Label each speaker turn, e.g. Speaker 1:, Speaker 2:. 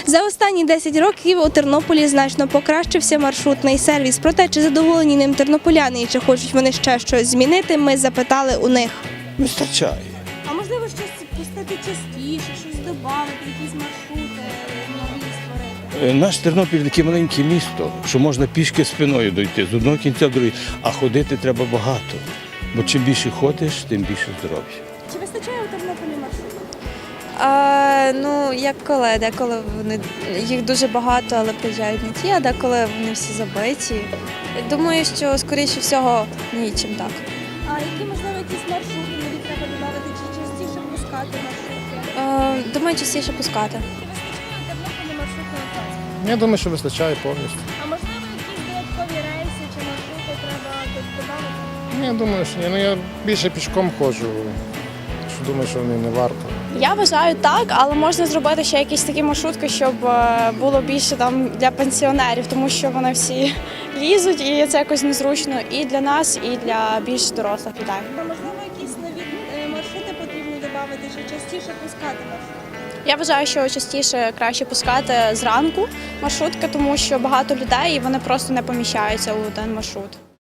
Speaker 1: За останні 10 років у Тернополі значно покращився маршрутний сервіс. Проте, чи задоволені ним тернополяни і чи хочуть вони ще щось змінити, ми запитали у них.
Speaker 2: Вистачає.
Speaker 1: А можливо щось пустити частіше, щось додати, якісь маршрути нові створити?
Speaker 2: Наш Тернопіль таке маленьке місто, що можна пішки спиною дойти з одного кінця в другий, а ходити треба багато. Бо чим більше ходиш, тим більше здоров'я.
Speaker 1: Чи вистачає у Тернополі маршрутів?
Speaker 3: Ну, як коли, деколи їх дуже багато, але приїжджають не ті, а деколи вони всі забиті. Думаю, що, скоріше всього, нічим так.
Speaker 1: А які, можливо, якісь маршрути нові треба додати, чи частіше пускати маршрути?
Speaker 3: Думаю, частіше пускати.
Speaker 1: Чи вистачає у Тернополі маршрутного транспорту?
Speaker 4: Я думаю, що вистачає повністю.
Speaker 1: А можливо, якісь додаткові рейси чи маршрути треба додати?
Speaker 4: Я думаю, що ні. Ну, я більше пішком ходжу, що думаю, що не варто.
Speaker 5: Я вважаю так, але можна зробити ще якісь такі маршрутки, щоб було більше там для пенсіонерів, тому що вони всі лізуть і це якось незручно і для нас, і для більш дорослих людей.
Speaker 1: Можливо, якісь нові маршрути потрібно додати, чи частіше пускати маршрути?
Speaker 5: Я вважаю, що частіше краще пускати зранку маршрутки, тому що багато людей і вони просто не поміщаються у один маршрут.